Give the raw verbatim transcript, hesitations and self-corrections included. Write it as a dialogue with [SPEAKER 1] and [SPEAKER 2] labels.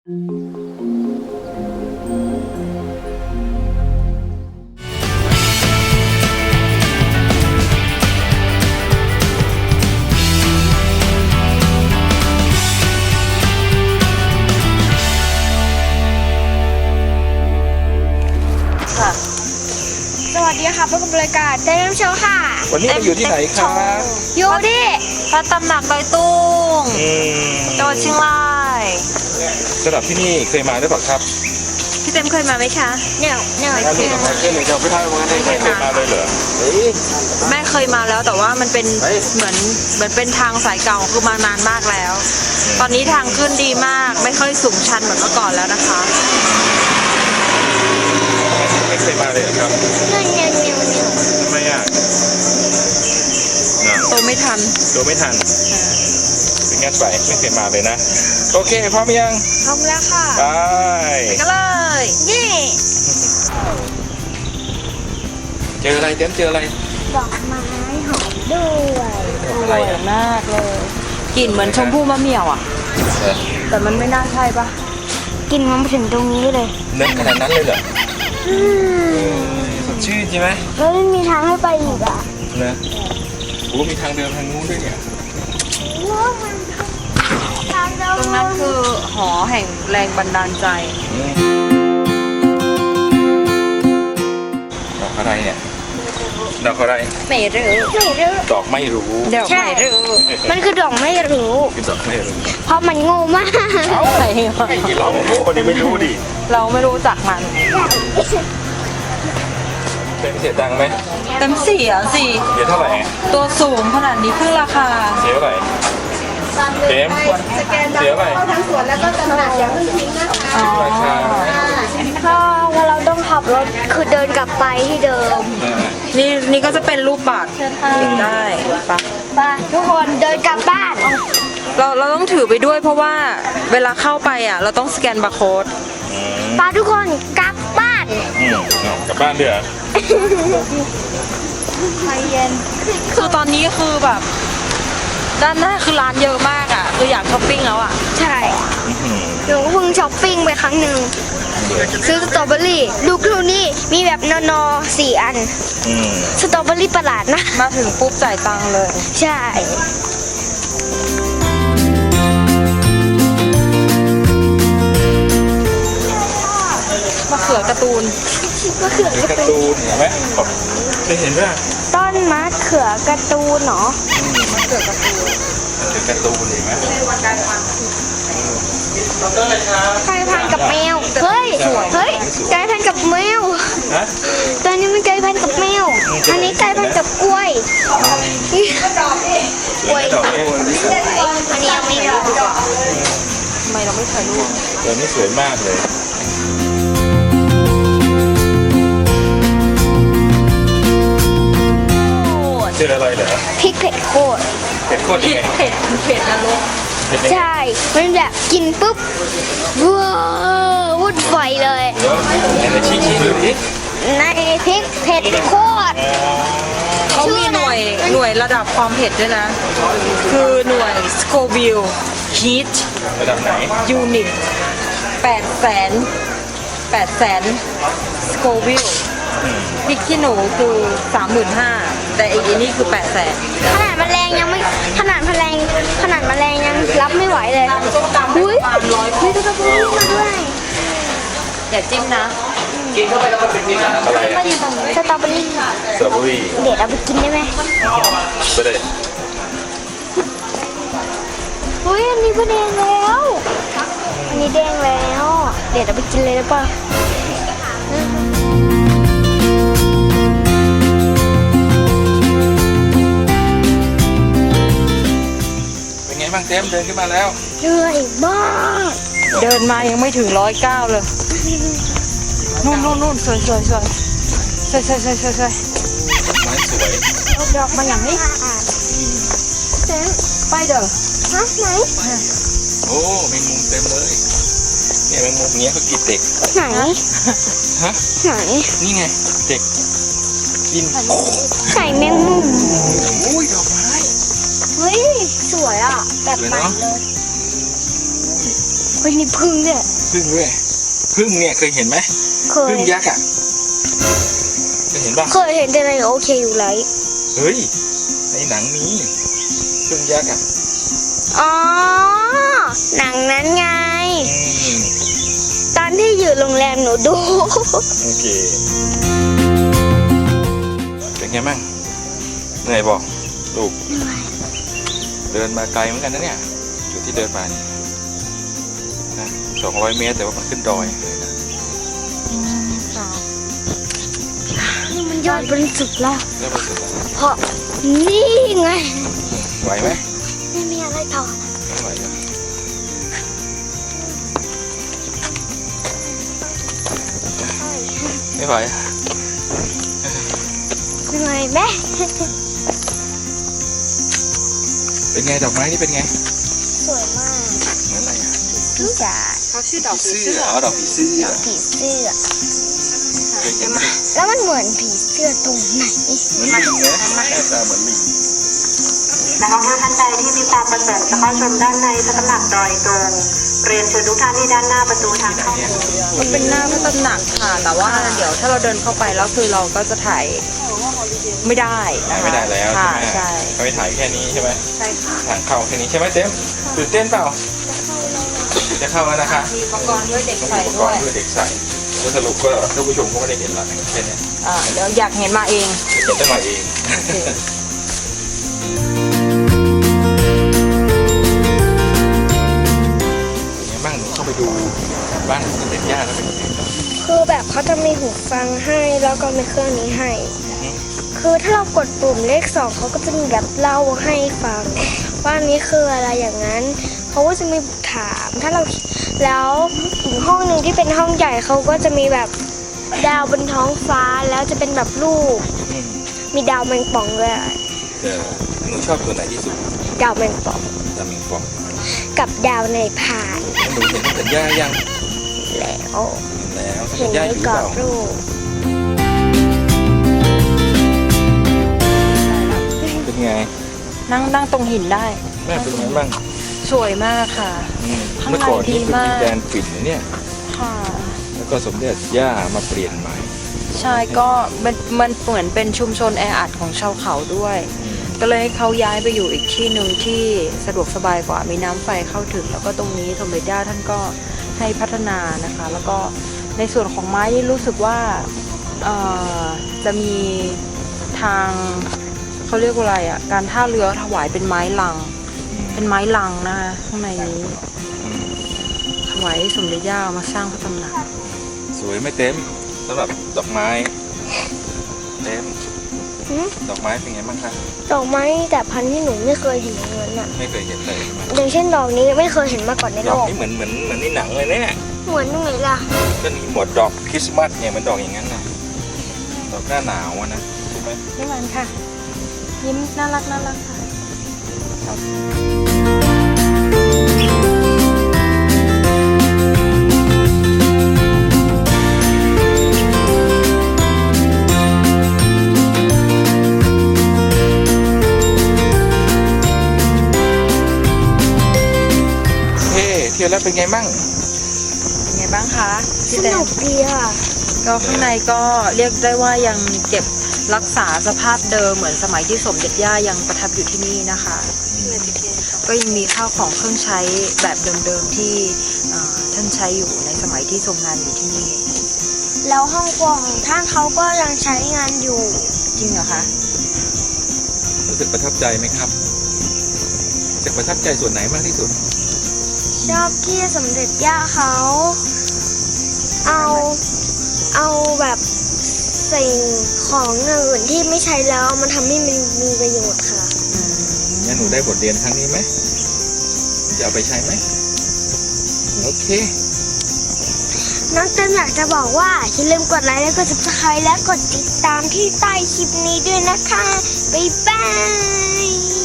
[SPEAKER 1] สวัสดีค่ะพบกับรายการเดมโชว์ค่ะ
[SPEAKER 2] วันนี้เราอยู่ที่ไหนครับ
[SPEAKER 1] อยู่ที่
[SPEAKER 3] พระตำหนักดอยตุ้งจังหวัดเชียงราย
[SPEAKER 2] สำหรับที่นี่เคยมาหรือเปล่าครับ
[SPEAKER 3] พี่เต็มเคยมาไหมคะ
[SPEAKER 1] เนี่ยเนี่ย
[SPEAKER 2] เคยมาเคยมาไม่ทันวันนี้เคยมาเลยเหรอ
[SPEAKER 3] แม่เคยมาแล้วแต่ว่ามันเป็นเหมือนเหมือนเป็นทางสายเก่าคือมานานมากแล้ว ตอนนี้ทางขึ้นดีมากไม่ค่อยสูงชันเหมือนเมื่อก่อนแล้วนะคะ
[SPEAKER 2] ไม่เคยมาเลยครับ
[SPEAKER 1] เนี่ยเนี่ยเนี่ยเนี่ย
[SPEAKER 2] ทำไมอ่ะ
[SPEAKER 3] โตไม่ทัน
[SPEAKER 2] โตไม่ทันเป็นงั้นไปไม่เคยมาเลยนะโอเคพร้อมยัง
[SPEAKER 1] พร้อมแล้วค่ะ
[SPEAKER 2] ไป
[SPEAKER 3] กันเลย
[SPEAKER 1] นี่
[SPEAKER 2] เจออะไรเต็มเจออะไร
[SPEAKER 1] ดอกไม้หอมด้วย
[SPEAKER 3] สวยมากเลยกลิ่นเหมือนชมพู่มะเหมี่ยวอ่ะแต่มันไม่น่าใช่ปะ
[SPEAKER 1] กินมันมาถึงตรงนี้เลย
[SPEAKER 2] เล่นขนาดนั้นเลยเหรอสดชื่นใช่ไหม
[SPEAKER 1] แล้วไม่มีทางให้ไปอีกอ่ะ
[SPEAKER 2] นะโอ้มีทางเดินทางนู้นด้วยเนี่ย
[SPEAKER 3] ตรงนั้นคือหอแห่งแรงบันดาลใจ
[SPEAKER 2] ดอกอะไรเนี่ยดอกอะไร
[SPEAKER 1] ไม่รู้ไม่รู้
[SPEAKER 2] ดอกไม่รู้
[SPEAKER 3] ดอกไม่รู้
[SPEAKER 1] มันคือดอกไม่รู้
[SPEAKER 2] คือดอกไม่รู้
[SPEAKER 1] เพราะมันโง่มาก
[SPEAKER 2] เอาไอ้เราคนนี้ไม่รู้ดิ
[SPEAKER 3] เราไม่รู้จักมัน
[SPEAKER 2] เต็มเสียตังค์ไหม
[SPEAKER 3] เต็มเสียสิ
[SPEAKER 2] เสียเท่าไหร่
[SPEAKER 3] ตัวสูงขนาดนี้เพิ่งราคา
[SPEAKER 2] เสียเท่าไหร่เต็มเสียเท่าไหร่
[SPEAKER 1] ทั้งสวนแล้วก็ตลาดอย่างพึ่งทิ้งนะคะ
[SPEAKER 2] ราคา
[SPEAKER 1] ถ้าว่าเราต้องขับรถคือเดินกลับไปที่เดิม
[SPEAKER 3] นี่นี่ก็จะเป็นรูปบัตรได้ปะ
[SPEAKER 1] ไปทุกคนเดินกลับบ้าน
[SPEAKER 3] เราเราต้องถือไปด้วยเพราะว่าเวลาเข้าไปอ่ะเราต้องสแกนบาร์โค้ด
[SPEAKER 1] ไปทุกคนกลับบ้าน
[SPEAKER 2] กลับบ้านเดือด
[SPEAKER 1] ใจเย็น
[SPEAKER 3] คือตอนนี้คือแบบด้านหน้าคือร้านเยอะมากอ่ะคืออยากช้อปปิ้งแล้วอ่ะ
[SPEAKER 1] ใช่หนูเพิ่งช้อปปิ้งไปครั้งหนึ่งซื้อสตรอเบอรี่ลูกเท่านี้มีแบบนอนอสี่อันสตรอเบอรี่ประหลาดนะ
[SPEAKER 3] มาถึงปุ๊บจ่ายตังค์เลย
[SPEAKER 1] ใช่
[SPEAKER 3] มะเขือการ์ตูน
[SPEAKER 1] มะเขือ
[SPEAKER 2] การ์ตูนเห็นไหมได้เห็นไหม
[SPEAKER 1] ต้นมะเขือการ์ตูนเนาะ
[SPEAKER 3] มะเขือการ์ตูน
[SPEAKER 2] การ์ตูนเห็นไหม
[SPEAKER 1] ไก่พันกับแมวเฮ้ยเฮ้ยไก่พันกับแมวตอนนี้มันไก่พันกับแมวอันนี้ไก่พันกับกล้วยกล้วยอันนี้ยังไม่รู้
[SPEAKER 3] ทำไมเราไม่ถ่ายรูป
[SPEAKER 2] ตัวนี้สวยมากเลยเจออะไรเหรอ
[SPEAKER 1] พริกเผ็ดโคตร
[SPEAKER 2] เผ็ดโคตรยังไง
[SPEAKER 3] เผ็ดเผ็ดนรก
[SPEAKER 1] ใช่มันแบบกินปุ๊บว้าววุ่นวายเลย
[SPEAKER 2] ในชี้ชี้ดูดิ
[SPEAKER 1] ในพริกเผ็ดโคตร
[SPEAKER 3] เขามีหน่วยหน่วยระดับความเผ็ดด้วยนะคือหน่วย Scoville Heat
[SPEAKER 2] ระดับไหน
[SPEAKER 3] Unit แปดแสนแปดแสน Scovilleพริกขี้หนูคือสามหมื่นห้าแต่อีกอันนี้คือแปดแสน
[SPEAKER 1] ขนาดแมลงยังไม่ขนาดแมลงขนาดแมลงยังรับไม่ไหวเลยอุ้ยมีตัวกระพุ้งมาด้วย
[SPEAKER 3] อย่าจิ้มนะ
[SPEAKER 2] กินเข้าไปแล้วมันเป็นยังไงอะไร
[SPEAKER 1] สตรอเบอรี่
[SPEAKER 2] สตรอเบอรี่
[SPEAKER 1] เด็ดเอาไปกินได้ไหม
[SPEAKER 2] ไปเลย
[SPEAKER 1] อุ้ยอันนี้ก็แดงแล้วอันนี้แดงแล้วเด็ดเอาไปกินเลยได้ป่ะ
[SPEAKER 2] บ้างเต็มเดินขึ้นมาแล้ว
[SPEAKER 1] เหนื่อยมาก
[SPEAKER 3] เดินมายังไม่ถึงร้อยเก้าเลยนู่นนู่นนู่นสวยสวยสวยสวยสวยสวยสวยสวย
[SPEAKER 2] ไม้สวย
[SPEAKER 1] เอาดอกมาอย่างนี้เต็ม
[SPEAKER 3] ไปเด้อ
[SPEAKER 1] ฮะไหน
[SPEAKER 2] โอ้แมงมุมเต็มเลยเนี่ยแมงมุมเนี้ยเขากินเด็ก
[SPEAKER 1] ไหน
[SPEAKER 2] ฮะ
[SPEAKER 1] ไหน
[SPEAKER 2] นี่ไงเด็กกิน
[SPEAKER 1] ไก่แมงมุม
[SPEAKER 2] อุ้ยดอกไม้
[SPEAKER 1] เฮ้ยสวยอ่ะแบบใหม่เลยเฮ้ยนี่พึ่งเนี่ย
[SPEAKER 2] พึ่งด้วยพึ่งเนี่ยเคยเห็นไหม
[SPEAKER 1] เคย
[SPEAKER 2] พึ่งยักษ์อ่ะเคยเห็นป่ะ
[SPEAKER 1] เคยเห็นแต่ในโอเคอยู่ไร
[SPEAKER 2] เฮ้ยในหนังมีพึ่งยักษ์อ่ะ
[SPEAKER 1] อ๋อหนังนั้นไง
[SPEAKER 2] อืม
[SPEAKER 1] ตอนที่อยู่โรงแรมหนูดู
[SPEAKER 2] โอเคเป็นไงบ้างเหนื่อยบอกลูกเดินมาไกลเหมือนกันนะเนี่ยจุดที่เดินมานี่นะสองร้อยเมตรแต่ว่ามันขึ้นดอยเลยนะ
[SPEAKER 1] นี่มันยอดบนสุดแล้ว
[SPEAKER 2] เริ่มรู้สึกแล้ว
[SPEAKER 1] เพราะนี่ไง
[SPEAKER 2] ไหวไหม
[SPEAKER 1] ไม่มีอะไรต่อ
[SPEAKER 2] ไม่ไหวเหรอไม่ไหว
[SPEAKER 1] เหนื่อยไหม
[SPEAKER 2] เป็นไงดอกไม้นี่เป็นไง
[SPEAKER 1] สวยมาก
[SPEAKER 2] เหมือนอะไรอ่ะ
[SPEAKER 1] พี่จ๋า
[SPEAKER 3] เขาชื่อดอกผี
[SPEAKER 2] เสื้
[SPEAKER 3] เสื้
[SPEAKER 2] อ
[SPEAKER 3] อ
[SPEAKER 2] อ๋อดอกผีเสื้อ
[SPEAKER 1] ผีเสื้อ
[SPEAKER 2] เคยเห็นไหม
[SPEAKER 1] แล้วมันเหมือนผีเสื้อตรงไหน
[SPEAKER 2] เหมือนลิงนะหน้าตาเหมือนลิง
[SPEAKER 4] นักท่องเที่ยวท่านใดที่มีความประสงค์จะเข้าชมด้านในพระตำหนักดอยตุงเรียนเชิญทุกท่านที่ด้านหน้าประตูทางเข้า
[SPEAKER 3] มันเป็นหน้าพระตำหนักค่ะ แต่ว่าเดี๋ยวถ้าเราเดินเข้าไปแล้วคือเราก็จะถ่ายไม่ได้นะคะ
[SPEAKER 2] ไม่ได้แล้วใช่
[SPEAKER 3] ค่ะ
[SPEAKER 2] ไหม
[SPEAKER 3] ใช่
[SPEAKER 2] เขาไปถ่ายแค่นี้ใช่ไหม
[SPEAKER 3] ใช่ค่ะ
[SPEAKER 2] ทางเข้าแค่นี้ใช่ไหมเต็มตื่นเต้นเปล่าจะเข้าแล้วนะคะ
[SPEAKER 3] มีอุปกรณ์ด้วยเด็ก
[SPEAKER 2] ต้อง
[SPEAKER 3] ใส่
[SPEAKER 2] มีอุปก
[SPEAKER 3] ด้ว
[SPEAKER 2] ร
[SPEAKER 3] ย
[SPEAKER 2] ณ์เพื่อเด็กใส่แล้วสรุปก็ท่านผู้ชมก็ไม่ได้เห็นหรอกแค่นี้
[SPEAKER 3] อ่าเดี๋ยวอยากเห็นมาเอง
[SPEAKER 2] เห็นได้มาเอง
[SPEAKER 3] โอเค
[SPEAKER 2] เป็นไงบ้างหนูเข้าไปดูบ้านสมเด็จย่าแล้วเป็นยังไงบ้าง
[SPEAKER 1] คือแบบเขาจะมีหูฟังให้แล้วก็มีเครื่องนี้ให้ คือถ้าเรากดปุ่มเลขสองเขาก็จะมีแบบเล่าให้ฟังว่าอันนี้คืออะไรอย่างนั้นเขาก็จะมีถามถ้าเราแล้วอีกห้องหนึ่งที่เป็นห้องใหญ่เขาก็จะมีแบบดาวบนท้องฟ้าแล้วจะเป็นแบบรูป
[SPEAKER 2] อืม
[SPEAKER 1] มีดาวแมงป่องด้วย
[SPEAKER 2] เออหนูชอบตัวไหนที่สุด
[SPEAKER 1] ดาวแมงป่อง
[SPEAKER 2] ดามิงฟอง
[SPEAKER 1] กับดาวในพาน
[SPEAKER 2] หนูเห็นสมเด็จย่ายัง
[SPEAKER 1] แล้ว
[SPEAKER 2] เห็นแล้วสม
[SPEAKER 1] เห็
[SPEAKER 2] เด็
[SPEAKER 1] น
[SPEAKER 2] จย่า
[SPEAKER 1] ใน
[SPEAKER 2] อยู่หรือก
[SPEAKER 1] ร
[SPEAKER 2] เป
[SPEAKER 1] อบ
[SPEAKER 2] ล่า
[SPEAKER 1] รูป
[SPEAKER 2] เป็นไง
[SPEAKER 3] นั่งนั่งตรงหินได้
[SPEAKER 2] แม่เป็นไงบ้าง
[SPEAKER 3] สวยมากค่ะ
[SPEAKER 2] อืม
[SPEAKER 3] ข้างใน
[SPEAKER 2] เมื่อก่อนนี่เป็น
[SPEAKER 3] ดีมาก
[SPEAKER 2] ดินแดนฝิ่นนะเนี่ย
[SPEAKER 3] ค่ะ
[SPEAKER 2] แล้วก็สมเด็จย่ามาเปลี่ยนใหม่
[SPEAKER 3] ใช่ก็มันมันเหมือนเป็นชุมชนแออัดของชาวเขาด้วย ก็เลยให้เขาย้ายไปอยู่อีกที่หนึ่งที่สะดวกสบายกว่ามีน้ำไฟเข้าถึง แล้วก็ตรงนี้สมเด็จย่าท่านก็ให้พัฒนานะคะ แล้วก็ในส่วนของไม้นี่รู้สึกว่าเอ่อจะมีทางเขาเรียกว่าอะไรอ่ะการท่าเรือถวายเป็นไม้ลัง เป็นไม้ลังนะคะข้างในนี้
[SPEAKER 2] อืม
[SPEAKER 3] ถวายให้สมเด็จย่ามาสร้างพระตำหนัก
[SPEAKER 2] สวยไม่เต็มสำหรับดอกไม้เต็ม
[SPEAKER 1] หืม
[SPEAKER 2] ดอกไม้เป็นไงบ้างคะ
[SPEAKER 1] ดอกไม้แต่พันธุ์ที่หนูไม่เคยเห็นอย่างนั้นอ่ะ
[SPEAKER 2] ไม่เคยเห็นเลยใช่ไหม
[SPEAKER 1] อย่างเช่นดอกนี้ไม่เคยเห็นมาก่อนใน
[SPEAKER 2] ด
[SPEAKER 1] โล
[SPEAKER 2] อก
[SPEAKER 1] ก
[SPEAKER 2] นี้เหมือนเหมือนเหมือนในหนังเลยเนี่ย
[SPEAKER 1] เหมือนตรงไหนล่ะ
[SPEAKER 2] ก็มีหมวดดอกคริสต์มาสเนี่ยมันดอกอย่างนั้นนะดอกหน้าหนาวอะนะใช่ไหม
[SPEAKER 3] นี่มันค่ะ ยิ้มน่ารักน่ารักค่ะ
[SPEAKER 2] เฮ้เที่ยวแล้วเป็นไงมั่ง
[SPEAKER 3] เป็นไงบ้างคะ
[SPEAKER 1] ส
[SPEAKER 3] พี่แต
[SPEAKER 1] นุ
[SPEAKER 3] น
[SPEAKER 1] กดีค่ะ
[SPEAKER 3] ก็ข้างในก็เรียกได้ว่ายังเก็บรักษาสภาพเดิมเหมือนสมัยที่สมเด็จย่ายังประทับอยู่ที่นี่นะคะ ก็ยังมีข้าวของเครื่องใช้แบบเดิมๆที่เอ่อท่านใช้อยู่ในสมัยที่ทรงงานอยู่ที่นี่
[SPEAKER 1] แล้วห้องครัวของท่านเขาก็ยังใช้งานอยู่
[SPEAKER 3] จริงเหรอคะ
[SPEAKER 2] รู้สึกประทับใจไหมครับรู้สึกประทับใจส่วนไหนมากที่สุด
[SPEAKER 1] ชอบที่สมเด็จย่าเขาเอาเอาแบบสิ่งของอื่นที่ไม่ใช้แล้วมันทำให้มันมีประโยชน์ค่ะ
[SPEAKER 3] อืม
[SPEAKER 2] งั้นหนูได้บทเรียนครั้งนี้ไหมจะเอาไปใช้ไหมโอเค
[SPEAKER 1] น้องเต้นอยากจะบอกว่าอย่าลืมกดไลค์และกด ซับสไครบ์ และกดติดตามที่ใต้คลิปนี้ด้วยนะคะ บ๊ายบาย